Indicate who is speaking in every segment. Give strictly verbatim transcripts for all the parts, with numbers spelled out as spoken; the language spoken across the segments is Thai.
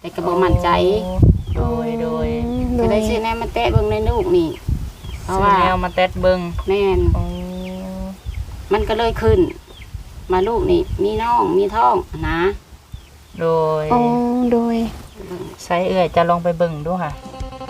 Speaker 1: แต่ก็บ่มั่นใจ
Speaker 2: โดยโดย
Speaker 1: ก็ได้ซื้อแนวมาแตะเบิ่งในลูกนี่เพราะว่า
Speaker 2: แนวมาแตะเบิ่ง
Speaker 1: แม่นมันก็เลยขึ้นมาลูกนี่มีน้องมีท้องนะ
Speaker 2: โดย
Speaker 3: อ๋อโดย
Speaker 2: ใช้เอื้อยจะลองไปเบิ่งดูค่ะ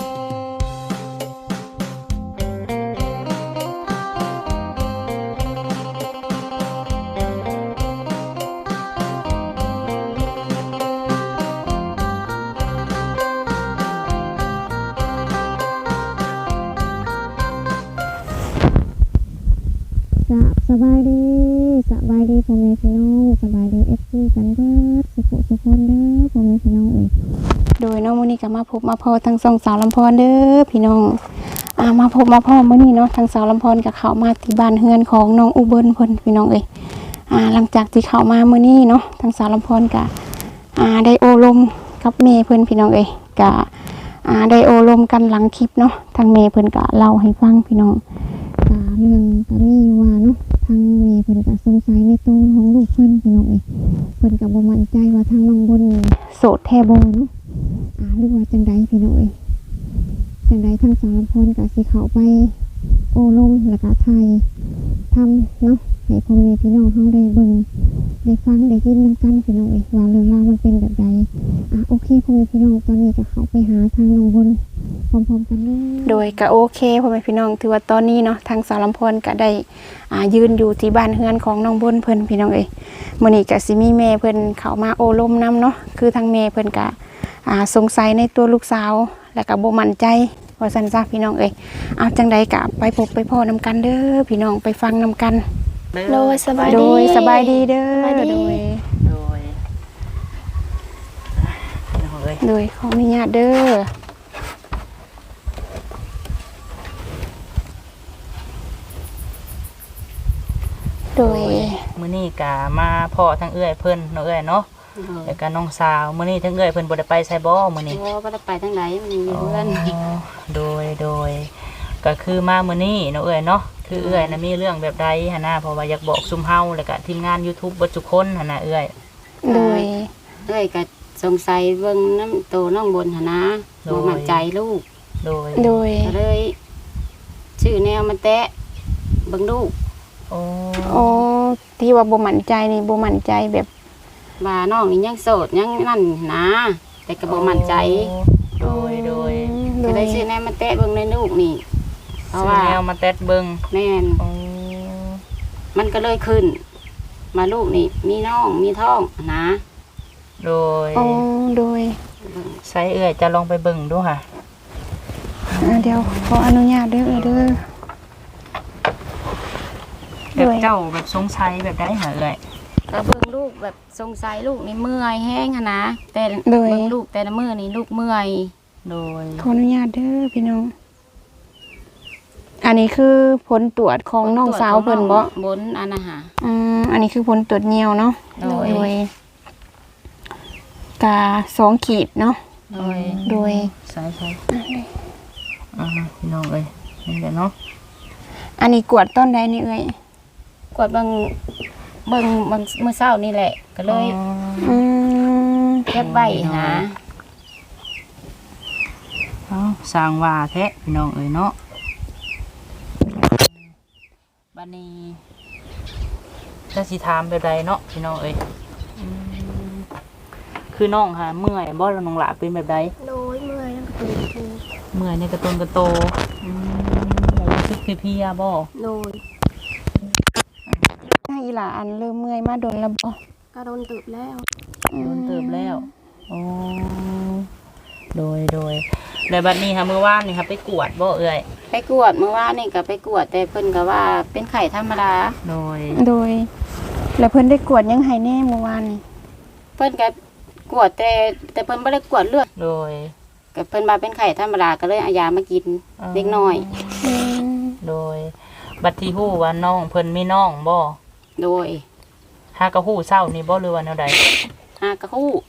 Speaker 3: สบายดีสบายดีพ่อแม่พี่น้องสบายดีเอฟซีกันเบิดสุขสุขคนเด้อพ่อแม่พี่น้องเอ้ยโดยน้องมื้อนี้ก็มาพบมาพอทั้งสองสาวลำพรเด้อพี่น้องอ่ามาพบมาพอมื้อนี้เนาะทั้งสาวลำพรก็เข้ามาที่บ้านเฮือนของน้องอุบลเพิ่นพี่น้องเอ้ยอ่าหลังจากที่เข้ามามื้อนี้เนาะทั้งสาวลำพรก็อ่าได้โอลมกับแม่เพิ่นพี่น้องเอ้ยก็อ่าได้โอลมกันหลังคลิปเนาะทางแม่เพิ่นก็เล่าให้ฟังพี่น้องก็เรื่องก็มีอยู่ว่าเนาะทางแม่เพิ่นก็สงสัยในตัวของลูกเพิ่นพี่น้องเอ้ยเพิ่นก็บ่มั่นใจว่าทางน้องบนโสดแท้บ่เนาะอ่าหรือว่าจังใดพี่น้องเอ้ยจังใดทางสาวลำพรก็สิเข้าไปโอ้ลมแล้วก็ถ่ายทำเนาะให้พ่อแม่พี่น้องเฮาได้เบิ่งได้ฟังได้ยินนำกันพี่น้องเอ้ยว่าเรื่องราวมันเป็นแบบใดอ่ะโอเคพ่อแม่พี่น้องตอนนี้ก็เข้าไปหาทางน้องบนพร้อมๆกันเลยโดยก็โอเคพ่อแม่พี่น้องถือว่าตอนนี้เนาะทางสาวลำพรก็ได้อ่ายืนอยู่ที่บ้านเฮือนของน้องบนเพิ่นพี่น้องเอ้ยมื้อนี้ก็สิมีแม่เพิ่นเข้ามาโอลมนำเนาะคือทางแม่เพิ่นก็อ่าสงสัยในตัวลูกสาวแล้วก็บ่มั่นใจว่าซั่นซะพี่น้องเอ้ยเอาจังใดก็ไปพบไปพ้อนำกันเด้อพี่น้องไปฟังนำกัน
Speaker 4: โดยสบายดี
Speaker 3: โดยสบายดีเด้อโดย
Speaker 2: โดย
Speaker 3: โดยขออนุญาตเด้อโดย
Speaker 2: มื้อนี้ก็มาพ่อทั้งเอื้อยเพิ่นเนาะเอื้อยเนาะแล้วก็น้องสาวมื้อนี้ทั้งเอื้อยเพิ่นบ่ได้ไปไสบ่มื้อนี้
Speaker 1: บ่บ่ได้ไปทางไหนมันอยู่เพื่อน
Speaker 2: โดยโดยก็คือมามื้อนี้เนาะเอื้อยเนาะคือเอื้อยน่ะมีเรื่องแบบใดหั่นน่ะเพราะว่าอยากบอกซุมเฮาแล้วก็ทีมงาน YouTube เบิดทุกคนหั่นน่ะเอื้อย
Speaker 3: โดย
Speaker 1: เอ้ยก็สงสัยเบิ่งน้ำโตน้องบนหั่นนะบ่มั่นใจลูก
Speaker 2: โดย
Speaker 3: โดย
Speaker 1: ก็เลยชื่อแนวมาแตะเบิ่งลูก
Speaker 2: โอ้
Speaker 3: โอ้ที่ว่าบ่มั่นใจนี่บ่มั่นใจแบบ
Speaker 1: ว่าน้องนี่ยังโสดยังนั่นนะแต่ก็บ่มั่นใจ
Speaker 2: โดยโดย
Speaker 1: ก็ได้ชื่อแนวมาแตะเบิ่งในลูกนี่เพราะว่า
Speaker 2: แนวมาแตะเบิ่ง
Speaker 1: แม่นมันก็เลยขึ้นมาลูกนี่มีน้องมีท้องนะ
Speaker 2: โดย
Speaker 3: อ๋อโดย
Speaker 2: ใช้เอื้อยจะลองไปเบิ่งดูค่ะ
Speaker 3: เดี๋ยวขออนุญาตเด้อเด้อ
Speaker 2: แบบเจ้าแบบสงสัยแบบได้หาเอื้อย
Speaker 1: ก็เบิ่งลูกแบบสงสัยลูกนี่เมื่อยแห้งนะแต่เบิ่งลูกแต่ละมื้อนี่ลูกเมื่อย
Speaker 2: โดย
Speaker 3: ขออนุญาตเด้อพี่น้องอันนี้คือผลตรวจของน้องสาวเพิ่นบ่
Speaker 1: บนอันน่ะฮะ
Speaker 3: อืมอันนี้คือผลตรวจเหนียวเนาะโดยกาสองขีดเนาะ
Speaker 2: โดย
Speaker 3: โดย
Speaker 2: ใช่ใช่อ่าพี่น้องเอ้ยนี่แหละเนาะ
Speaker 3: อันนี้กวดต้นใดนี่เอ้ย
Speaker 1: กวดบางเบิ่งบางมื้อเช้านี่แหละก็เลย
Speaker 3: อืม
Speaker 1: เก็บไว้นะ
Speaker 2: เอ้าสร้างว่าแท้พี่น้องเอ้ยเนาะบัดนี้จะสิถามแบบใดเนาะพี่น้องเอ้ยคือน้องค่ะเมื่อยบ่แล้วน้องหลาเป็นแบบใด
Speaker 4: โดยเมื่อยแล้วก็ตื่นตู
Speaker 2: เมื่อยในกระตุนกระโตอืมรู้สึกเพลียบ่
Speaker 4: โดย
Speaker 3: ถ้าอีหล่าอันเริ่มเมื่อยมาโดนแล้วบ่
Speaker 4: ก็โดนตืบแล้ว
Speaker 2: โดนตืบแล้วโอ้โดยโดยแต่บัดนี้ค่ะเมื่อวานนี่ค่ะไปกวดบ่เอ่ย
Speaker 1: ไปกวดเมื่อวานนี่ก็ไปกวดแต่เพิ่นก็ว่าเป็นไข้ธรรมดา
Speaker 2: โดย
Speaker 3: โดยแล้วเพิ่นได้กวดยังไห้แน่เมื่อวานนี่
Speaker 1: เพิ่นก็กวดแต่แต่เพิ่นบ่ได้กวดเลือด
Speaker 2: โดย
Speaker 1: ก็เพิ่นว่าเป็นไข้ธรรมดาก็เลยเอายามากินเล็กน้อย
Speaker 2: โดยบัดที่ฮู้ว่าน้องเพิ่นมีน้องบ่
Speaker 1: โดย
Speaker 2: หากะฮู้เช้านี่บ่หรือว่าแนวใด
Speaker 1: หากะฮู้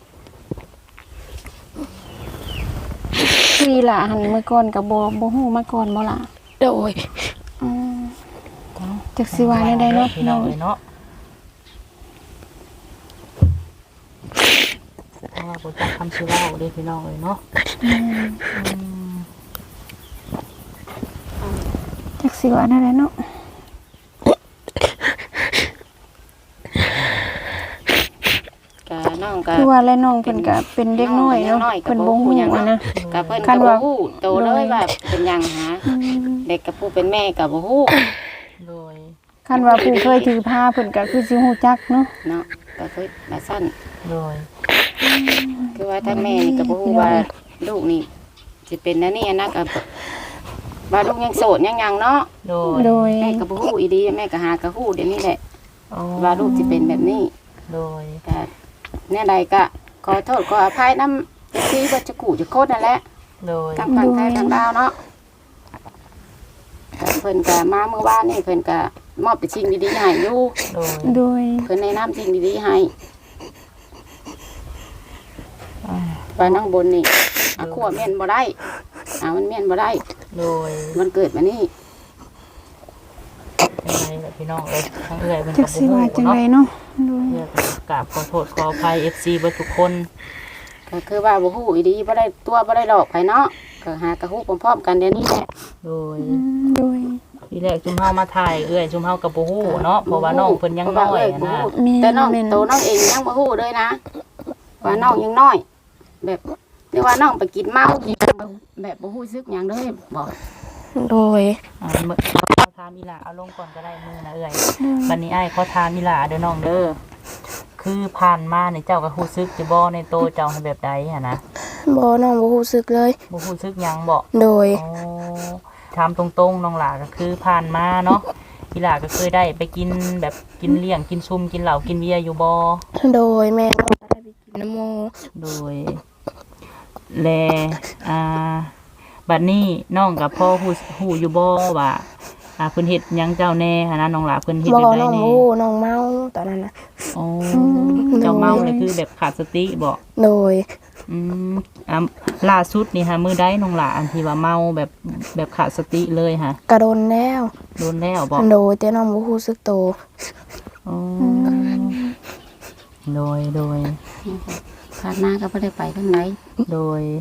Speaker 3: คืออีหล่าหันเมื่อก่อนก็บ่บ่ฮู้มาก่อนบ่ล่ะ
Speaker 1: โดย
Speaker 3: อืมจักสิว่าแนวใดเนาะ
Speaker 2: พี่น้องเนาะบ่จักคำสิเว้าเด้พี่น้องเอ้ยเนาะอืม
Speaker 3: จักสิว่านั่นแหละเนาะ
Speaker 1: ก็น้องก็
Speaker 3: คือว่าและน้องเพิ่นก็เป็นเด็กน้อยเนาะเพิ่นบ่ฮู้อะนะ
Speaker 1: ก็เพิ่น
Speaker 3: คั
Speaker 1: ก็
Speaker 3: น
Speaker 1: บ่
Speaker 3: ว่า
Speaker 1: ฮู้โตเลยว่าเป็นหยังหาเด็กกับผู้เป็นแม่ก็บ่ฮู้
Speaker 2: โดย
Speaker 3: คันว่าผู้เคยถือผ้าเพิ่นก็คือสิฮู้จักเนาะ
Speaker 1: เนาะก็คือว่าซั่น
Speaker 2: โดย
Speaker 1: คือว่าทั้งแม่นี่ก็บ่ฮู้ว่าลูกนี่สิเป็นอันนี้นะก็ว่าลูกยังโสดยังหยังเนาะ
Speaker 2: โดย
Speaker 3: โดย
Speaker 1: แม่ก็บ่ฮู้อีดีแม่ก็หาก็ฮู้เดี๋ยวนี้แหละ
Speaker 2: อ๋อ
Speaker 1: ว่าลูกสิเป็นแบบนี้
Speaker 2: โดย
Speaker 1: ก็แน่ใดก็ขอโทษขออภัยนำที่ว่าจะกูจะโคตรนั่นแหละ
Speaker 2: โดย
Speaker 1: ทั้งฝั่งไทยทั้งลาวเนาะก็เพิ่นก็มาเมื่อวานนี่เพิ่นก็มอบแต่สิ่งดีๆให้อยู่
Speaker 2: โดย
Speaker 3: โดย
Speaker 1: เพิ่นแนะนำสิ่งดีๆให้
Speaker 2: อ่า
Speaker 1: ว่าน้องบนนี่อาขั้วแม่นบ่ได้อ่ามันแม่นบ่ได้
Speaker 2: โดย
Speaker 1: มันเกิดมานี่
Speaker 2: ยังไงล่ะพี่น้องเอ้ยทั้งเอื้อยเพิ่น
Speaker 3: จั
Speaker 2: ก็
Speaker 3: ก
Speaker 2: บ่
Speaker 3: สิ
Speaker 2: ฮู้
Speaker 3: ว่าจัง
Speaker 2: เนาะ
Speaker 3: ไดเนาะโดย
Speaker 2: เอื้อยก็กราบขอโทษขออภัย เอฟ ซี เบิดทุกคน
Speaker 1: ก็คือว่าบ่ฮู้อีดีบ่ได้ตัวบ่ได้หลอกไผเนาะก็หากระฮู้พร้อมๆกันเดี๋ยวนี้แหละ
Speaker 2: โดย
Speaker 3: อืมโดย
Speaker 2: ทีแรกจุมเฮามาถ่ายเอื้อยจุมเฮาก็บ่ฮู้เนาะเพราะว่าน้องเพิ่นยังน้อยอะนะ
Speaker 3: แม่
Speaker 1: แต่น้อง
Speaker 3: แม่น
Speaker 1: โตน้องเองยังบ่ฮู้เลยนะว่าน้องยังน้อย แบบเรียกว่าน้องไปกินเมากินแบบบ่ฮู้สึกหยังเลยบอก
Speaker 4: โดย
Speaker 2: อ่าเมื่อเอาขอถามอีหล่าเอาลงก่อนก็ได้มือนะเอื้อยบัดนี้อ้ายขอถามอีหล่าเด้อน้องเด้อคือผ่านมานี่เจ้าก็ฮู้สึกจะบ่ในโตเจ้าให้แบบใดหั่นนะ
Speaker 4: บ่น้องบ่รู้สึกเลย
Speaker 2: บ่ฮู้สึกหยังบ่
Speaker 4: โดย
Speaker 2: อ๋อถามตรงๆน้องหล่าก็คือผ่านมาเนาะอีหล่าก็เคยได้ไปกินแบบกินเลี้ยงกินซุมกินเหล้ากินเบียร์อยู่บ่
Speaker 4: โดยแม่น้องก็ได้ไปกินน้ำโม
Speaker 2: โดยแลอ่าบัดนี้น้องกับพ่อฮู้ฮู้อยู่บ่ว่าอ่าเพิ่นเฮ็ดหยังเจ้าแน่หั่นนะน้องหล่าเพิ่นเฮ็ด
Speaker 4: บ่
Speaker 2: แบบใด
Speaker 4: น้อง
Speaker 2: แน่
Speaker 4: รู้น้องเมาตอนนั้นน่ะ
Speaker 2: อ๋อเจ้าเมาเลยคือแบบขาดสติบ่
Speaker 4: โดย
Speaker 2: อืมอ่าล่าสุดนี่ฮะมื้อใดน้องหล่าอันที่ว่าเมาแบบแบบขาดสติเลยฮะ
Speaker 4: กระโดนแล้ว
Speaker 2: โดนแล้วบ่
Speaker 4: โดยแต่น้องบ่รู้สึกโต
Speaker 2: อ๋อโดยโดย
Speaker 1: ผ่านมาก็บ่ได้ไปทางไหน
Speaker 2: โดย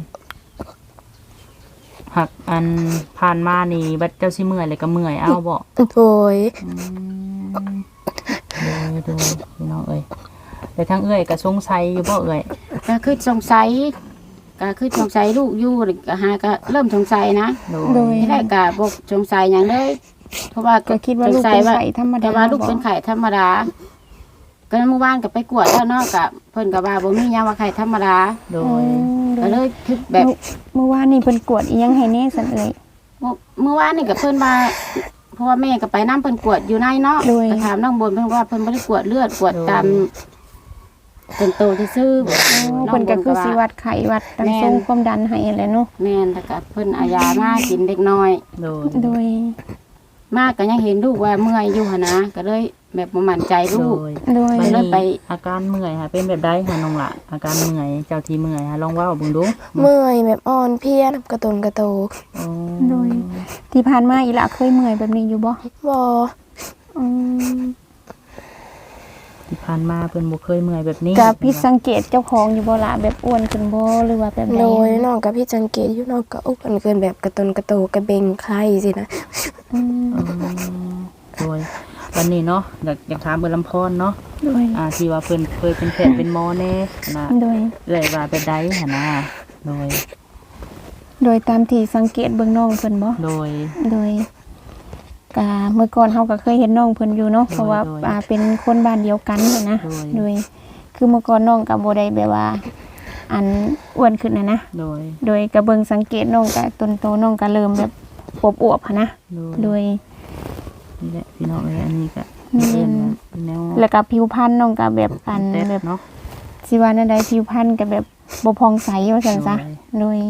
Speaker 2: หักอันผ่านมานี่บัดเจ้าสิเมื่อยเลยก็เมื่อยเอาบ่
Speaker 4: โดย
Speaker 2: อืมโดยโดยพี่น้องเอ้ยแต่ทางเอ้ยก็สงสัยอยู่บ่เอ้ย
Speaker 1: ก็คือสงสัยก็คือสงสัยลูกอยู่ก็หาก็เริ่มสงสัยนะ
Speaker 2: โด
Speaker 3: โด
Speaker 2: ย
Speaker 3: ย
Speaker 1: ไม่ได้ก็บ่สงสัยหยังเลยเพราะว่า
Speaker 3: ก็คิดว่าลูก
Speaker 1: สงสั
Speaker 3: เป็
Speaker 1: ย
Speaker 3: นไข้ธรรมดา
Speaker 1: แต่ว่าลูกเป็นไข้ธรรมดาก็เมื่อวานก็ไปกวดแล้วเนาะก็เพิ่นก็ว่าบ่มีหยังว่าไข้ธรรมดา
Speaker 2: โด
Speaker 3: อื
Speaker 2: ย
Speaker 3: มโด
Speaker 1: ก็
Speaker 3: ย
Speaker 1: เลยคือแบบ
Speaker 3: เมื่อวานนี่เพิ่นกวดอีหยังให้แน่ซั่นเอ่ย
Speaker 1: เมื่อเมื่อวานนี่ก็เพิ่นมาเพราะว่าแม่ก็ไปน้ำเพิ่นกวดอยู่ในเนาะ
Speaker 3: โดย
Speaker 1: ก็ถามน้องบนเพิ่นว่าเพิ่นบ่ได้กวดเลือดกวดตามเป็นโตซื่อๆ
Speaker 3: อ๋อเพิ่นก็คือสิวัดไข้วัดตั้งสูงความดันให้แหละเนาะ
Speaker 1: แม่นแล้วก็เพิ่นเอายามากินเด็กน้อย
Speaker 2: โดย
Speaker 3: โดย
Speaker 1: มากก็ยังเห็นลูกว่าเมื่อยอยู่หั่นนะก็เลยแบบบ่มั่นใจ
Speaker 2: โด
Speaker 1: ลูก
Speaker 2: ย
Speaker 3: โดย
Speaker 2: บัด
Speaker 1: เลิ
Speaker 2: นี้
Speaker 1: กไป
Speaker 2: อาการเมื่อยค่ะเป็นแบบใดค่ะน้องละอาการเมื่อยเจ้าที่เมื่อยค่ะลองเว้าเบิ่งดู
Speaker 4: เมื่อยแบบอ่อนเพลียกระตุนกระโต
Speaker 2: อ๋อ
Speaker 3: โดย ที่ผ่านมาอีหละเคยเมื่อยแบบนี้อยู่บ่
Speaker 4: บ่
Speaker 3: อืม
Speaker 2: ที่ผ่านมาเพิ่นบ่เคยเมื่อยแบบนี้
Speaker 3: ก็ผิดสังเกตเจ้าของอยู่บ่ล่ะแบบอ้วนขึ้นบ่หรือว่าแบบใด
Speaker 4: โดยน้องกับพี่จังเกตอยู่น้องก็อุกันเกินแบบกระตุนกระโตกระเบงไข้สินะ
Speaker 3: อืม
Speaker 2: อ๋อโดยวันนี้เนาะอยากอยากถามเบิ่งลำพรเนาะ
Speaker 3: โดย
Speaker 2: อ่าที่ว่าเพิ่นเคยเป็นแพทย์เป็นหมอแน่นะ
Speaker 3: โดย
Speaker 2: เอ่ยว่าแบบใดหั่นนะโดย
Speaker 3: โดยตามที่สังเกตเบิ่งน้องเพิ่นบ่
Speaker 2: โดย
Speaker 3: โดยกะเมื่อก่อนเฮาก็เคยเห็นน้องเพิ่นอยู่เนาะ
Speaker 2: โดย
Speaker 3: เพราะว่า
Speaker 2: โดย
Speaker 3: อ่าเป็นคนบ้านเดียวกันหั้นนะ
Speaker 2: โดย
Speaker 3: โดย คือเมื่อก่อนน้องก็บ่ได้แบบว่า อันอ้วนขึ้นนะนะ
Speaker 2: โดย
Speaker 3: โดยก็เบิ่งสังเกตน้องก็ต้นโตน้องก็เริ่มแบบอวบๆหั้นนะ
Speaker 2: โดย
Speaker 3: โดย
Speaker 2: นี่แหละพี่น้องเอ้ยอันนี้ก็
Speaker 3: แม่น
Speaker 2: เอิ้นว่าแนว
Speaker 3: แล้วก็ผิวพรรณน้องก็แบบอัน
Speaker 2: เต็ด
Speaker 3: แบบ
Speaker 2: เนาะ
Speaker 3: สิว่านั่นใดผิวพรรณก็แบบบ่ผ่องใสว่าซั่นซะ
Speaker 2: โดย
Speaker 3: โดย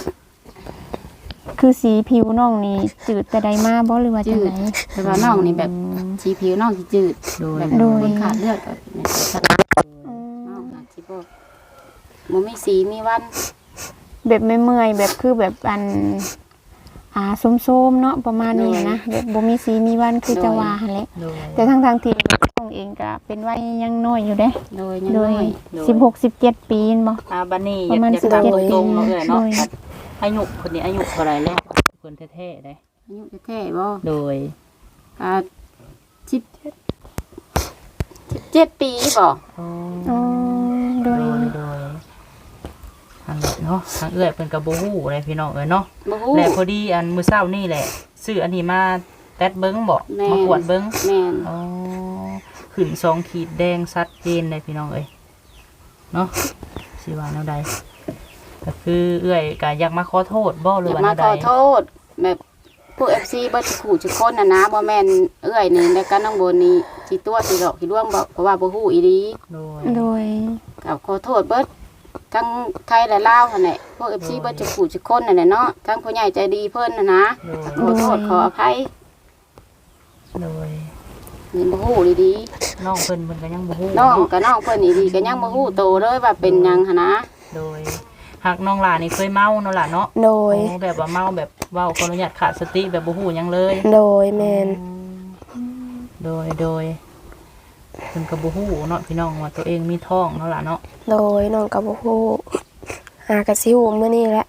Speaker 3: คือสีผิวน้องนี่จืดแต่ใดมาบ่หรือว่าจั
Speaker 1: จื
Speaker 3: ง
Speaker 1: ด
Speaker 3: ได
Speaker 1: แต่ว่าน้องนี่แบบสีผิวน้องสิจืด
Speaker 2: โดย
Speaker 1: แบบ
Speaker 3: โดย
Speaker 1: คนขาดเลือดก็เนี่ยสลายน้องน่ะสิบ่บ่มีสีมีวัน
Speaker 3: แบบไม่เมื่อยแบบคือแบบอันอ่าส้มๆเนาะประมาณนี้นะแบบบ่มีสีมีวันคือจะว่าหั่นแหละ
Speaker 2: โดย
Speaker 3: แต่ทั้งทางๆที่น้องเอองก็เป็นวัยยังน้อยอยู่เด้
Speaker 1: โดยยัง
Speaker 3: โด
Speaker 1: น้
Speaker 3: ย
Speaker 1: อย
Speaker 3: สิบหก สิบเจ็ดปีนบ่
Speaker 2: อ่าบัดนี้อ
Speaker 3: ประ
Speaker 2: ยาก
Speaker 3: มาณ
Speaker 2: อยาก
Speaker 3: สิบ
Speaker 2: ถาม
Speaker 3: เจ็ด
Speaker 2: ตรงๆเนาะเอ้ยเนาะ
Speaker 3: โดย
Speaker 2: บัดอายุคนนี้อายุเท่าไหร่แล้วเพิ่นแท้ๆได้
Speaker 1: อายุแท้ๆบ่
Speaker 2: โดย
Speaker 1: อ่าสิบสิบเจ็ดปีบ่
Speaker 2: อ๋อ
Speaker 3: อ๋อโด
Speaker 2: โด
Speaker 3: ย
Speaker 2: ยโดยทางเนาะทางเอื้อยเพิ่นก็บ่ฮู้เลยพี่น้องเอ้ยเนาะ
Speaker 1: บ่ฮู้
Speaker 2: และพอดีอันมื้อเช้านี่แหละซื้ออันนี้มาแตดเบิ่งบ่
Speaker 1: แม่น
Speaker 2: มากวดเบิ่ง
Speaker 1: แม่น
Speaker 2: อ๋อขึ้นสองขีดแดงชัดเจนเลยพี่น้องเอ้ยเนาะสิว่าแนวใดก็คือเอื้อยก็อยากมาขอโทษบ่ห
Speaker 1: อ
Speaker 2: รือย
Speaker 1: าก
Speaker 2: ว่า
Speaker 1: มา
Speaker 2: แนวใด
Speaker 1: ขอโทษแบบพวก เอฟ ซี เบิดขู่ทุกคนน่ะนะบ่แม่นเอื้อยนี่แล้วก็น้องโบนี่สิตัวสิหลอกสิล่วงบ่เพราะว่าบ่ฮู้อีหลี
Speaker 2: โดย
Speaker 3: โดย
Speaker 1: ก็ขอโทษเบิดทั้งไทยและลาวหั่นแหละพวก เอฟ ซี เบิดทุกขู่ทุกคนนั่นแหละเนาะทั้งผู้ใหญ่ใจดีเพิ่นน่ะนะ
Speaker 2: โดย
Speaker 1: ขอโทษขออภัย
Speaker 2: โดย
Speaker 1: นี่บ่ฮู้อีหลี
Speaker 2: น้องเพิ่นเพิ่นก็ยังบ่ฮู้
Speaker 1: น้อง
Speaker 2: เนาะ
Speaker 1: ก็น้องเพิ่นอีหลีก็ยังบ่ฮู้โตเลยว่าเป็นหยังหั่นนะ
Speaker 2: โดยหากน้องหลานนี่เคยเมาเนาะล่ะเนาะ
Speaker 4: โดย
Speaker 2: โอ้แบบว่าเมาแบบเว้าขออนุญาตขาดสติแบบบ่ฮู้หยังเลย
Speaker 4: โดยแม่น
Speaker 2: โดยโดยเพิ่นก็บ่ฮู้เนาะพี่น้องว่าตัวเองมีท้องเนาะล่ะเนาะ
Speaker 4: โดยน้องก็บ่ฮู้หากะสิฮู้มื้อนี้แหละ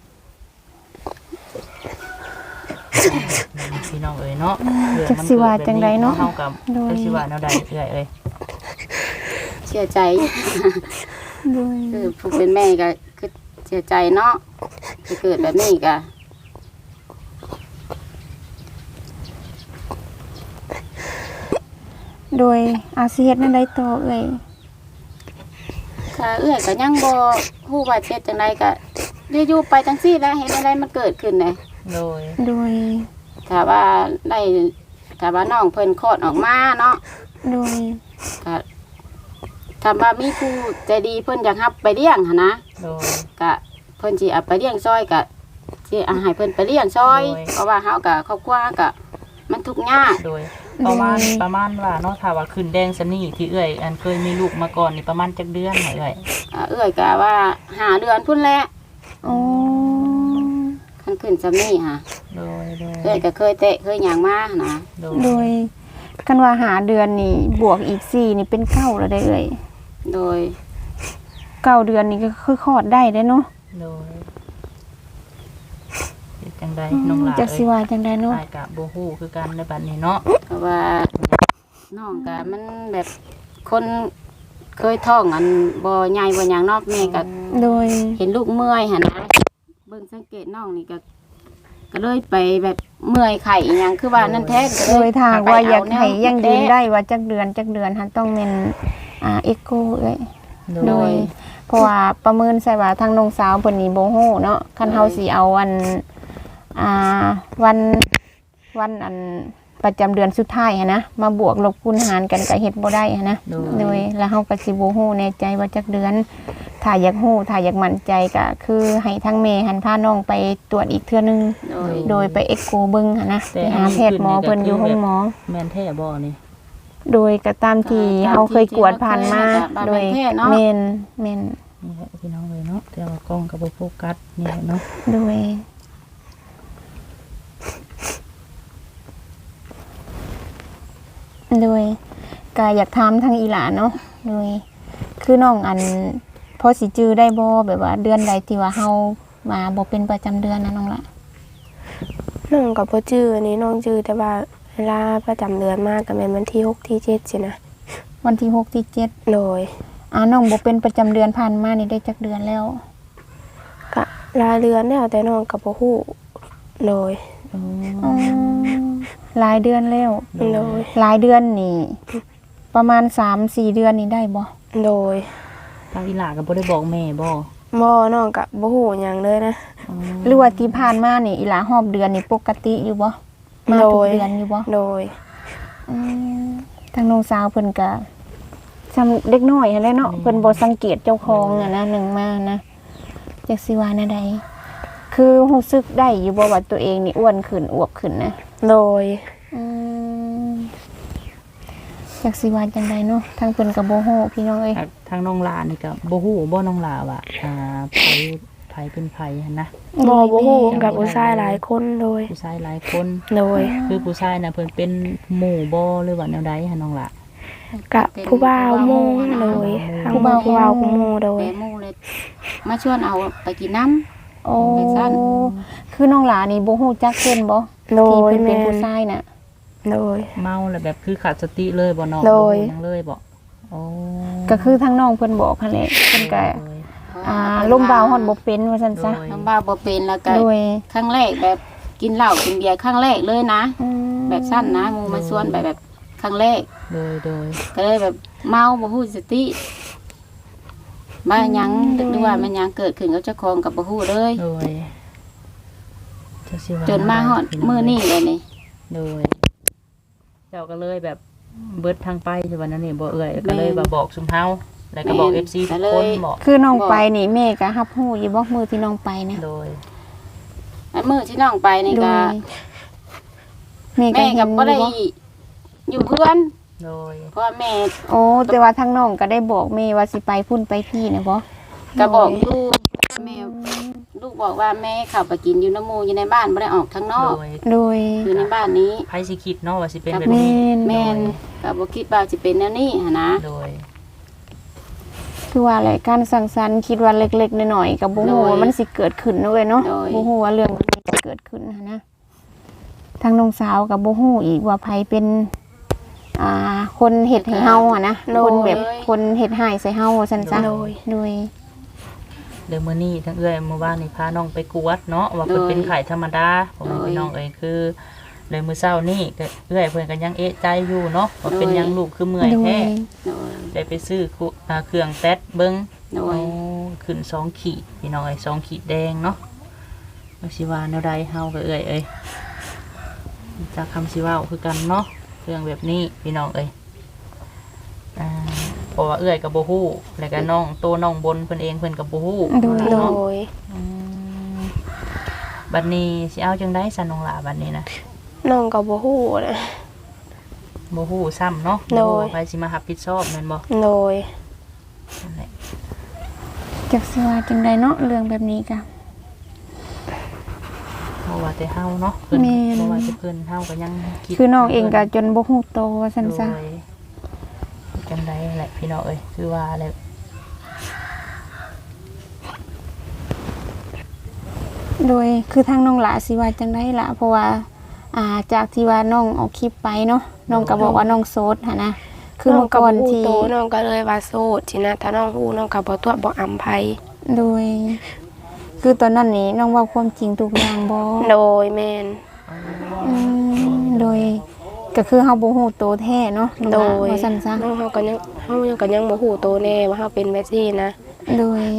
Speaker 2: พี่น้องเอ้ยเนาะเรื่อง
Speaker 3: จัก
Speaker 2: มัน
Speaker 3: สิว่าจังใดเนาะ
Speaker 2: เฮากับ
Speaker 3: โดย
Speaker 2: จักสิว่าแนวใดเอื้อยเอ้ย
Speaker 1: เสียใจ
Speaker 3: โดย
Speaker 1: คือผู้เป็นแม่ก็คือเสียใจเนาะจะเกิดแบบนี้ก็
Speaker 3: โดยอาสิเฮ็ดนั่นได้ต่อเอ้ย
Speaker 1: ก็เอื้อยก็ยังบ่ฮู้ว่าเฮ็ดจังไดก็ได้อยู่ไปจังซี่แหล้วเห็นอะไรมันเกิดขึ้นน่ะ
Speaker 2: โดย
Speaker 3: โดย
Speaker 1: ถ้าว่าได้ถ้าว่าน้องเพิ่นคลอดออกมาเนาะ
Speaker 3: โดย
Speaker 1: ก็ถ้าว่ามีผู้ใจดีเพิ่นอยากรับไปเลี้ยงหั่นนะ
Speaker 2: โดย
Speaker 1: ก็เพิ่นสิเอาไปเลี้ยงซอยก็สิเอาให้เพิ่นไปเลี้ยงซอย
Speaker 2: โดย
Speaker 1: เพราะว่าเฮาก็ครอบครัวก็มันทุกข์ยาก
Speaker 2: โดยประมาณประมาณว่าเนาะถ้าว่าขึ้นแดงสนี่ที่เอื้อยอันเคยมีลูกมาก่อนนี่ประมาณจักเดือนไหนเอ้ย
Speaker 1: อ่าเอื้อยก็ว่าห้าเดือนพุ่นแหละ
Speaker 3: อ๋อ
Speaker 1: คันขึ้นซำนี้ค่ะ
Speaker 2: โดยโดย
Speaker 1: เอื้อยก็เคยเตะเคยหยังมาหั่นนะ
Speaker 2: โด
Speaker 3: โด
Speaker 2: ย
Speaker 3: ยกันว่าหาเดือนนี่บวกอีกสี่นี่เป็นเก้าแล้วได้เอ้ย
Speaker 1: โดย
Speaker 3: เก้าเดือนนี่ก็คือคลอดได้เด้เนาะ
Speaker 2: โดยเฮ็ดจังใดน้องหลาน
Speaker 3: จักสิ
Speaker 2: เอ้ย
Speaker 3: ว่าจังไดเนาะ
Speaker 2: อ้ายก็บ่ฮู้คือกันในบัดนี้เนาะ
Speaker 1: เพราะว่าน้องก็มันแบบคนเคยท้องอันบ่ใหญ่บ่หยังเนอกแม่ก็
Speaker 3: โดย
Speaker 1: เห็นลูกเมื่อยหั่นนะเบิ่งสังเกตน้องนี่ก็ก็เลยไปแบบเมื่อยไข้อีหยังคือว่านั่นแท้ก็
Speaker 3: โด
Speaker 1: เลย
Speaker 3: ทางว่าอยากให้ยังยืน
Speaker 1: แท้
Speaker 3: ได้ว่าจักเดือนจักเดือนหันต้องเป็นอ่าเอ็กโกเอ้ย
Speaker 2: โด
Speaker 3: โด
Speaker 2: ย
Speaker 3: ยเพราะว่าประเมินใส่ว่าทางน้องสาวเพิ่นนี่บ่ฮู้เนาะคันเฮาสิเอาวันอ่าวันวันอันประจำเดือนสุดท้ายหันนะมาบวกลบคูณหารกันก็เฮ็ดบ่ได้หันนะ
Speaker 2: โดย
Speaker 3: โดยแล้วเฮาก็สิบ่ฮู้แน่ใจว่าจักเดือน ถ้าอยากฮู้ถ้าอยากมั่นใจก็คือให้ทางแม่หันพาน้องไปตรวจอีกเทื่อนึง
Speaker 1: โดย
Speaker 3: โดยไปเอ็กโกเบิ่งหันนะ
Speaker 2: แต่
Speaker 3: ไป
Speaker 2: อัน
Speaker 3: หา
Speaker 2: นี้
Speaker 3: แพทย์หมอ
Speaker 2: ขึ้นนี่ก็
Speaker 3: เพิ่นอยู่
Speaker 2: คือ
Speaker 3: ห้องหมอ
Speaker 2: แม่นแท้บ่นี่
Speaker 3: โดยก็ตามที่เฮาเคยกวดผ่านมาโดยแม่นแม่น
Speaker 2: นี่แหละพี่น้องเลยเนาะแต่ว่ากล้องก็บ่โฟกัสนี่แหละเนาะ
Speaker 3: โดยโดยก็อยากถามทางอีหลานเนาะโดยคือน้องอันพอสิจื้อได้บ่แบบว่าเดือนใดที่ว่าเฮามาบ่เป็นประจำเดือนนะน้องละ
Speaker 4: น้องก็บ่จื้ออันนี้น้องจื้อแต่ว่าเวลาประจำเดือนมากก็แม่นวันที่หกที่เจ็ดสินะ
Speaker 3: วันที่หกที่เจ็ด
Speaker 4: โดย
Speaker 3: อ่าน้องบ่เป็นประจำเดือนผ่านมานี่ได้จักเดือนแล้ว
Speaker 4: ก็รายเดือนแล้วแต่น้องก็บ่ฮู้โดย
Speaker 3: อ๋อหลายเดือนแล้ว
Speaker 4: โดย
Speaker 3: หลายเดือนนี่ประมาณ สามสี่ เดือนนี่ได้บ่
Speaker 4: โดย
Speaker 2: ทางอีหลาก็บ่ได้บอกแม่บ่
Speaker 4: บ่น้องก็บ่ฮู้หยังเลยนะ
Speaker 3: หรือว่าที่ผ่านมานี่อีหลาหอบเดือนนี่ปกติอยู่บ่มาทุก
Speaker 4: โดย
Speaker 3: เดือนอยู่บ่
Speaker 4: โดย
Speaker 3: อืมทางน้องสาวเพิ่นก็ซำเด็กน้อยหั่นแหละเนาะเพิ่นบ่สังเกตเจ้าของน่ะนะหนึ่งมานะจักสิว่าแนวใดคือรู้สึกได้อยู่บ่ว่าตัวเองนี่อ้วนขึ้นอวบขึ้นนะ
Speaker 4: โดย
Speaker 3: อืมจักสิว่าจังไดเนาะทางเพิ่นก็บ่ฮู้พี่น้องเอ้ย
Speaker 2: ทางทางน้องหลานี่ก็บ่ฮู้บ่น้องหลาว่าอ่าไผไผเป็นไผหั่นนะ
Speaker 4: บ่บ่ฮู้กับผู้ชายหลายคนโดย
Speaker 2: ผู้ชายหลายคน
Speaker 4: โดย
Speaker 2: คือผู้ชายน่ะเพิ่นเป็นหมู่บ่หรือว่าแนวใดหั่นน้องหลา
Speaker 4: กะผู้บ่าวโมงโดยทางผู้บ่าวผู้โมโดย
Speaker 1: แม่หมู่เลยมาชวนเอาไปกินน้ำ
Speaker 3: โอ้
Speaker 1: ไปซั่น
Speaker 3: คือน้องหลานี่บ่ฮู้จักเพิ่นบ่
Speaker 4: โด
Speaker 3: ที่
Speaker 4: ย
Speaker 3: เพิ่นเป็น
Speaker 4: แม่
Speaker 3: ผู้
Speaker 4: น
Speaker 3: ชายน่ะ
Speaker 4: โดย
Speaker 2: เมาแล้วแบบคือขาดสติเลยบ่น้อง
Speaker 4: โดย
Speaker 2: บ่รู้หยังเลยบ่โอ้
Speaker 3: ก็คือทางน้องเพิ่นบอกหั่นแหละเพิ่นก็อ่าลมบาวฮอดบ่เป็นว่าซั่นซะ
Speaker 1: น้ำบ้าบ่เป็นแล้วก็
Speaker 3: โดย
Speaker 1: ครั้งแรกแบบกินเหล้ากินเบียร์ครั้งแรกเลยนะ
Speaker 3: อืม
Speaker 1: แบบสั้นนะหมูมาชวนไปแบบครั้งแรก
Speaker 2: โดยโดย
Speaker 1: ก็เลยแบบเมาบ่ฮู้สติมาหยังหรือว่ามันหยังเกิดขึ้นกับเจ้าของกับบ่ฮู้เลย
Speaker 2: โดยจักสิว่
Speaker 1: จนมาฮอดมื้อนี้เลยนี่
Speaker 2: โดย เจ้าก็เลยแบบเบิดทางไปใช่บ่นั่นนี่บ่เอื้อยก็เลยมาบอกซุมเฮาแล้วก็บอก เอฟ ซี ทุกคนบอก
Speaker 3: คือน้องไปนี่แม่ก็รับรู้อยู่บ่มื้อที่น้องไปนะ
Speaker 2: โดย
Speaker 1: อันมื้อที่น้องไปนี่
Speaker 3: โด
Speaker 1: ก็
Speaker 3: ยแม่ก็
Speaker 1: แม่
Speaker 3: เห็
Speaker 1: ก็
Speaker 3: น
Speaker 1: บ่ได้
Speaker 3: อยู่บ่
Speaker 1: อยู่เพื่อน
Speaker 2: โดย
Speaker 1: เพราะว่าแม่
Speaker 3: โอ้แต่ว่าทางน้องก็ได้บอกแม่ว่าสิไปพุ่นไปพี่นะบ่
Speaker 1: ก็บอกอยู่แม่ลูกบอกว่าแม่เข้าไปกินอยู่น้ำหมู่อยู่ในบ้านบ่ได้ออกข้างน
Speaker 2: โด
Speaker 1: อก
Speaker 2: ย
Speaker 3: โดย
Speaker 1: อยู่ในบ้านนี้
Speaker 2: ไผสิคิดเนาะว่าสิเป็นแบบ
Speaker 3: แม่
Speaker 2: นี้
Speaker 3: น
Speaker 1: แม่นก็บ่คิดว่าสิเป็นแนวนี้หันนะ
Speaker 2: โดย
Speaker 3: คือว่าอะไรการสั่งสรรค์คิดว่าเล็กๆน้อยๆก็บ่ฮู้ว่ามันสิเกิดขึ้นเนาะเว้ยเนาะบ่ฮู้ว่าเรื่องนี้จะเกิดขึ้นหันนะทางน้องสาวก็บ่ฮู้อีกว่าไผเป็นอ่าคนเฮ็ดให้เฮาอ่ะนะคนแบบคนเฮ็ดให้ใส่เฮาว่าซั่นซะ
Speaker 4: โดย
Speaker 3: โดย
Speaker 2: เดี๋ยวมื้อนี้ทั้งเอื้อยเมื่อวานนี่พาน้องไปกวดเนาะว่าเพิ่นเป็นไข้ธรรมดาผมพี่น้องเอ้ยคือเลยมื้อเช้านี่ก็เอื้อยเพิ่นก็ยังเอะใจอยู่เนาะว่าเป็นหยังลูกคือเมื่อย
Speaker 3: โด
Speaker 2: แท้
Speaker 3: ย
Speaker 1: โดย
Speaker 2: ได้ไปซื้อคุอ่าเครื่องแต๊ดเบิ่ง
Speaker 1: โดย
Speaker 2: โอ้ขึ้นสองขีดพี่น้องเอ้ยสองขีดแดงเนาะว่าสิว่าแนวใดเฮาก็เอื้อยเอ้ยจากคำสิเว้าคือกันเนาะเรื่องแบบนี้พี่น้องเอ้ยอ่าเพราะว่าเอื้อยกับโบฮู้แล้วก็น้องโตน้องบนเพิ่นเองเพิ่นกับโบฮู้
Speaker 3: โดย
Speaker 4: โด
Speaker 2: เนาะ
Speaker 4: ย
Speaker 2: อืมบัดนี้สิเอาจังได๋ซะน้องหลาบัดนี้นะ
Speaker 4: น้องก็บ่ฮู้นะ
Speaker 2: โบฮู้ซ้ำเนาะ
Speaker 4: โดย
Speaker 2: บ่ฮู้ว่าใครสิมารับผิดชอบแม่นบ่
Speaker 4: โดย
Speaker 2: นั่นแหละ
Speaker 3: จักสิว่าจังไดเนาะเรื่องแบบนี้ก็
Speaker 2: บ่ว่าแต่เฮาเนาะเพิ่น
Speaker 3: แม่น
Speaker 2: บ่ว่าแต่เพิ่นเฮาก็ยังคิด
Speaker 3: คือน้องเองก็จนบ่ฮู้โตว่าซั่นซะ
Speaker 2: โดยจังไดแหละพี่น้องเอ้ยคือว่าแหละ
Speaker 3: โดยคือทางน้องหลาสิว่าจังไดล่ะเพราะว่าอ่าจากที่ว่าน้องออกคลิปไปเนาะน้องก็บอกว่าน้องโสดหั่นนะคือ
Speaker 4: น้อ
Speaker 3: เมื่
Speaker 4: ง
Speaker 3: อ
Speaker 4: ก็
Speaker 3: ก่อ
Speaker 4: บ่
Speaker 3: น
Speaker 4: ฮู้
Speaker 3: ที่
Speaker 4: โตน้องก็เลยว่าโสดสินะถ้าน้องฮู้น้องก็บ่ตัวบ่อำไผ
Speaker 3: โดย คือตอนนั้นนี่น้องเว่าความจริงทุกอย่างบ่
Speaker 4: โดยแม่น
Speaker 3: อืมโดย ก็คือเฮาบ่ฮู้โตแท้เนาะน้อง
Speaker 4: โด
Speaker 3: หลาย ว่าซั่นซะ
Speaker 4: น้องเฮาก็ยังเฮายังก็ยังบ่ฮู้โตแน่ว่าเฮาเป็นแบบนี้นะ
Speaker 3: โดย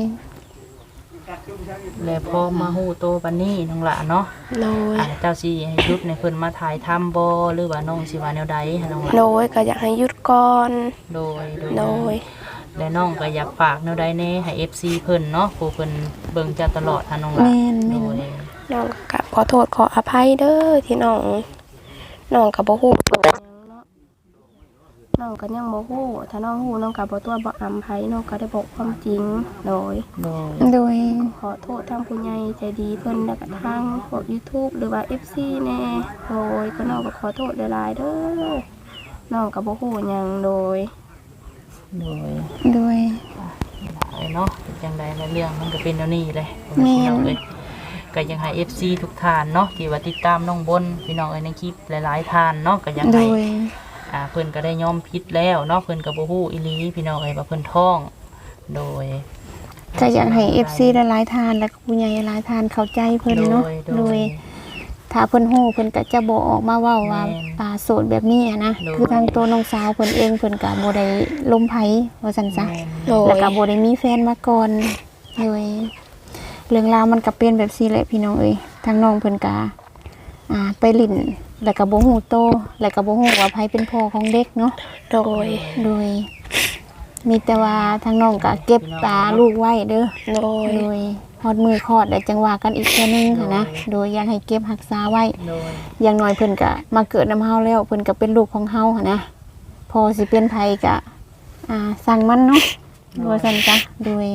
Speaker 2: แล้วพอมาฮู้โตปานนี้น้องหลาเนาะ
Speaker 4: โดย
Speaker 2: อ่าเจ้าสิให้หยุดในเพิ่นมาถ่ายทำบ่หรือว่าน้องสิว่าแนวใดให้น้องหลา
Speaker 4: โดยก็อยากให้หยุดก่อน
Speaker 2: โดย
Speaker 4: โดย
Speaker 2: และน้องก็อยากฝากแนวใดแน่ให้ เอฟ ซี เพิ่นเนาะผู้เพิ่นเบิ่งเจ้าตลอดหาน้องหลา
Speaker 3: แม่นแม่
Speaker 2: โด
Speaker 3: น
Speaker 2: ย
Speaker 4: น้องก็ขอโทษขออภัยเด้อที่น้องน้องก็บ่ฮู้ตัวหยังเนาะน้องก็ยังบ่ฮู้ถ้าน้องฮู้น้องก็บ่ตัวบ่อำไผน้องก็ได้บอกความจริงโดย
Speaker 2: โดย
Speaker 3: โดย
Speaker 4: ขอโทษทางผู้ใหญ่ใจดีเพิ่นแล้วก็ทางพวก YouTube หรือว่า เอฟ ซี แน่โดยก็น้องก็ขอโทษหลายๆเด้อน้องก็บ่ฮู้หยังโดย
Speaker 2: โดย
Speaker 3: โดย
Speaker 2: ไอ้เนาะเป็นจังใดแล้วเรื่องมันก็เป็นแนวนี้เลย
Speaker 3: แม่น
Speaker 2: พี่น้องเอ้ยก็ยังให้ เอฟ ซี ทุกท่านเนาะที่ว่าติดตามน้องบนพี่น้องเอ้ยในคลิปหลายๆท่านเนาะก็ยัง
Speaker 3: โด
Speaker 2: ให้
Speaker 3: ย
Speaker 2: อ่าเพิ่นก็ได้ยอมผิดแล้วเนาะเพิ่นก็บ่ฮู้อีหลีพี่น้องเอ้ยว่าเพิ่นท้อง โดย
Speaker 3: ก็อยากให้ เอฟ ซี หลายๆทานและก็ผู้ใหญ่หลายทานเข้าใจเพิ่นเนาะ
Speaker 2: โดย
Speaker 3: โด
Speaker 2: โด
Speaker 3: ย
Speaker 2: ย
Speaker 3: ถ้าเพิ่นฮู้เพิ่นก็จะบ่ออกมาเว้าว่า
Speaker 2: แม่น
Speaker 3: ปลาโสดแบบนี้อะนะ
Speaker 2: โดย
Speaker 3: คือทางตัวน้องสาวเพิ่นเองเพิ่นก็บ่ได้ล้มไผว่าซั่นซะ
Speaker 4: โดย
Speaker 3: แล้วก็บ่ได้มีแฟนมาก่อนโดยเรื่องราวมันก็เป็นแบบซี่แหละพี่น้องเอ้ยทางน้องเพิ่นก็อ่าไปลิ้นแล้วก็บ่ฮู้โตแล้วก็บ่ฮู้ว่าไผเป็นพ่อของเด็กเนาะ
Speaker 4: โดย
Speaker 3: โดย มีแต่ว่าทางน้องก็เก็บตาลูกไว้เด้อ
Speaker 4: โดย
Speaker 3: โดยฮอดมือคลอดได้จังหวะกันอีกเทื่อนึงหั้นนะ โดยอยากให้เก็บรักษาไว้
Speaker 2: โดย
Speaker 3: อย่างน้อยเพิ่นก็มาเกิดนำเฮาแล้วเพิ่นก็เป็นลูกของเฮาหันนะพอสิเป็นไผก็อ่าสั่งมันเนาะว่าซั่นจ้ะโดย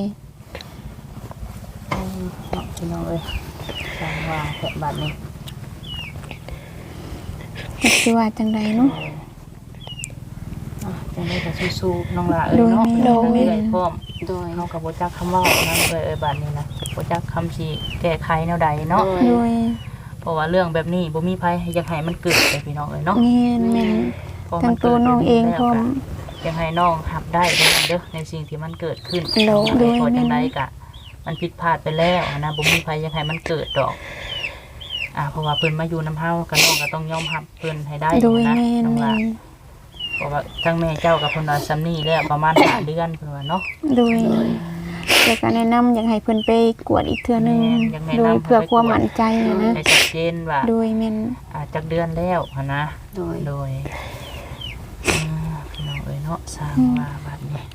Speaker 2: พี่น้องเอ้ยสร้างว่าแค่บัดนี้
Speaker 3: จักสิว่าจังใดเนาะ
Speaker 2: อ่ะจจังได๋ก็สู้ๆน้องหล่าเอ้ยเนาะ
Speaker 3: โดย
Speaker 2: ทั้งนี้ได้พร้อม
Speaker 1: โดย
Speaker 2: เฮาก็บ่จักคำเว้านํเอ้ยเอ้ยบัดนี้นะบ่จักคำสิแก้ไขแนวใดเนาะ
Speaker 3: โดย
Speaker 2: เพราะว่าเรื่องแบบนี้บ่มีไผอยากให้มันเกิดเลยพี่น้องเอ้ยเนาะ
Speaker 3: แม่นแม่น
Speaker 2: พอ
Speaker 3: ทั้
Speaker 2: มั
Speaker 3: ง
Speaker 2: น
Speaker 3: ตัวน้องเองพร้อม
Speaker 2: อยากให้น้องรับได้เด้อเด้อในสิ่งที่มันเกิดขึ้น
Speaker 3: โดย
Speaker 2: โดยพอ
Speaker 3: แม่น
Speaker 2: จังไดก็มันผิดพลาดไปแล้วนะบ่มีไผอยากให้มันเกิดดอกอ่าเพราะว่าเพิ่นมาอยู่นำเฮาก็น้องก็ต้องยอมรับเพิ่นให้ได้
Speaker 3: โดย
Speaker 2: นะ
Speaker 3: แม่น
Speaker 2: น้อง
Speaker 3: แม่
Speaker 2: ว่าน เพราะว่าทั้งแม่เจ้ากับเพิ่นว่าซ้ำนี้แล้วประมาณห้าเดือนเพิ่นว่าเนาะ
Speaker 3: โดยแต่ก็แนะนำอยากให้เพิ่นไปกวดอีกเทื่อนึง
Speaker 2: แม่นอยากแนะนำ
Speaker 3: โดยเพื่อความมั่นใจนะ
Speaker 2: ให้ชัดเจนว่า
Speaker 3: โดยแม่น
Speaker 2: อ่าจักเดือนแล้วหันนะ
Speaker 1: โดย
Speaker 2: โดยอ่าพี่น้องเอ้ยเนาะสร้างว่าบัดนี้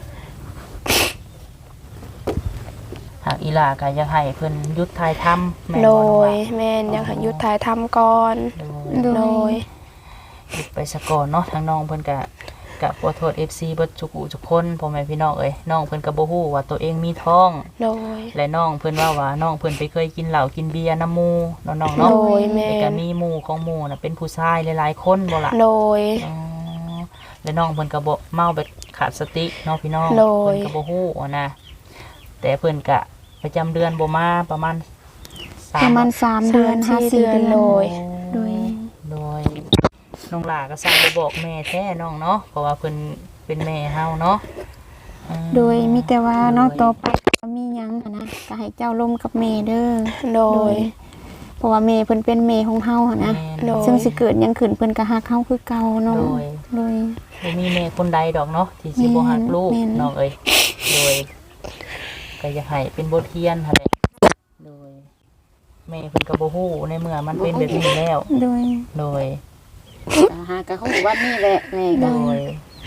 Speaker 2: หากอีหลาก็อยากให้เพิ่นหยุดถ่ายทำแม่น
Speaker 4: โด
Speaker 2: บ่น้อง
Speaker 4: ย
Speaker 2: ว่า
Speaker 4: แม่นอยากให้หยุดถ่ายทำก่อน
Speaker 2: โดย
Speaker 3: โด
Speaker 4: โด
Speaker 3: ย
Speaker 4: ย
Speaker 2: หยุดไปสะก่อนเนาะทางน้องเพิ่นก็ก็ขอโทษ เอฟ ซี เบิดทุกผู้ทุกคนพ่อแม่พี่น้องเอ้ยน้องเพิ่นก็บ่ฮู้ว่าตัวเองมีท้อง
Speaker 4: โดย
Speaker 2: และน้องเพิ่นว่าว่าน้องเพิ่นไปเคยกินเหล้ากินเบียร์น้ำหมู่เนาะน้องเนาะ
Speaker 4: โดยแม่
Speaker 2: แต่ก็มีหมู่ของหมู่น่ะเป็นผู้ชายหลายๆคนบ่ล่ะ
Speaker 4: โดย
Speaker 2: อ๋อและน้องเพิ่นก็บ่เมาแบบขาดสติเนาะพี่น้อง
Speaker 4: โดย
Speaker 2: เพิ่นก็บ่ฮู้อะนะแต่เพิ่นก็ประจำเดือนบ่มาประมาณส
Speaker 3: ประมาณสามเดือน
Speaker 4: สามสี่
Speaker 3: ห้าสี่เดือน
Speaker 4: เดือนโดย
Speaker 3: โดย
Speaker 2: โดยน้องหลาก็สั่งไปบอกแม่แท้น้องเนาะเพราะว่าเพิ่นเป็นแม่เฮาเนาะอืม
Speaker 3: โดยมีแต่ว่าน้องต่อไปก็มีหยังหั้นนะก็ให้เจ้าร่มกับแม่เด้อ
Speaker 4: โดย
Speaker 3: เพราะว่าแม่เพิ่นเป็นแม่ของเฮาหั่นนะ
Speaker 2: แม่
Speaker 4: โดย
Speaker 3: ซึ่งสิเกิดหยังขึ้นเพิ่นก็ฮักเฮาคือเก่าเนาะ
Speaker 2: โดย
Speaker 3: โดย
Speaker 2: บ่มีแม่คนใดดอกเนาะที่สิบ่ฮักลูก
Speaker 3: แม่น
Speaker 2: น้องเอ้ยโดยก็อยากให้เป็นบทเรียนหั่นแหละโดยแม่เพิ่นก็บ่ฮู้ในเมื่อมันเป็นแบบนี้แล้ว
Speaker 3: โดย
Speaker 2: โดย
Speaker 1: ก็หากะฮู้ว่านี่แหละแม่
Speaker 2: โด
Speaker 1: ก็
Speaker 2: ย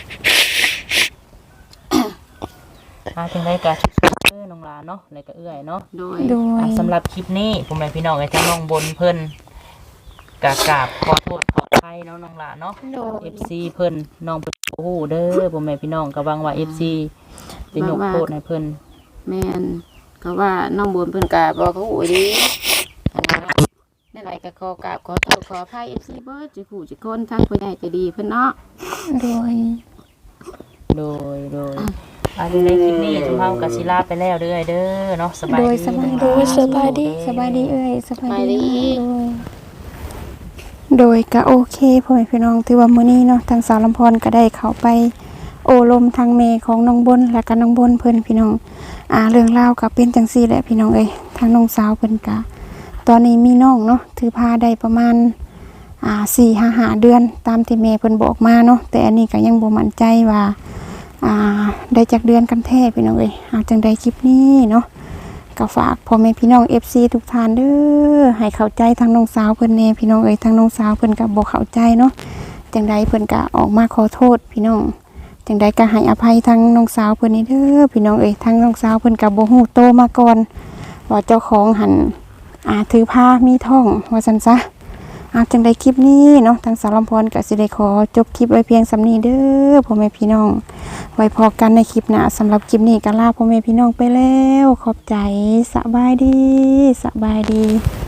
Speaker 2: อาจังได๋ก็เออน้องหลานเนาะแล้วก็เอื้อยเนาะ
Speaker 1: โดย
Speaker 3: โดย
Speaker 2: อ่ะสำหรับคลิปนี้ผมแม่พี่น้องไอ้ทั้งน้องบนเพิ่นกากราบขอโทษขออภัยเนาะน้องหลานเนาะ
Speaker 4: โดย
Speaker 2: เอฟซีเพิ่นน้องเพิ่นโอ้โหเด้อผมแม่พี่น้องก็หวังว่า เอฟ ซี จะยกโทษให้เพิ่น
Speaker 1: แม่นก็ว่าน้องบุญเพิ่นก็บ่ฮู้ดีนั่นแหละก็ขอกราบขอโทษขออภัย เอฟ ซี เบิดจิผู้จิคนทั้งผู้ใหญ่ใจดีเพิ่นเนาะ
Speaker 3: โดย
Speaker 2: โดยโดยอันในคลิปนี้ทุกเฮาก็สิลาไปแล้วเด้อเด้อเนาะสบาย
Speaker 3: โดย
Speaker 2: ดี
Speaker 3: สบายดี
Speaker 2: น้องหลน
Speaker 4: สบายดี
Speaker 3: สบายดีเอ้ยสบาย
Speaker 1: สบายดี
Speaker 3: ดีโดยโดยก็โอเคพ่อแม่พี่น้องถือว่ามื้อนี้เนาะทางสาวลำพรก็ได้เข้าไปโอลมทางเมของน้องบนและก็น้องบนเพิ่นพี่น้องอ่าเรื่องราวก็เป็นจังซี่แหละพี่น้องเอ้ยทางน้องสาวเพิ่นก็ตอนนี้มีน้องเนาะถือพาได้ประมาณอ่า สี่ถึงห้า เดือนตามที่แม่เพิ่นบอกมาเนาะแต่อันนี้ก็ยังบ่มั่นใจว่าอ่าได้จักเดือนกันแท้พี่น้องเอ้ยหากจังใดคลิปนี้เนาะก็ฝากพ่อแม่พี่น้อง เอฟ ซี ทุกท่านเด้อให้เข้าใจทางน้องสาวเพิ่นแน่พี่น้องเอ้ยทางน้องสาวเพิ่นก็บ่เข้าใจเนาะจังใดเพิ่นก็ออกมาขอโทษพี่น้องจังใดก็ให้อภัยทางน้องสาวเพิ่นนี่เด้อพี่น้องเอ้ยทางน้องสาวเพิ่นก็บ่ฮู้โตมาก่อนว่าเจ้าของหันอ่าถือผ้ามีท้องว่าซั่นซะอาจังใดคลิปนี้เนาะทางสาวลำพรก็สิได้ขอจบคลิปไว้เพียงสำนี้เด้อพ่อแม่พี่น้องไว้พอกันในคลิปหน้าสำหรับคลิปนี้ก็ลาพ่อแม่พี่น้องไปแล้วขอบใจสบายดีสบายดี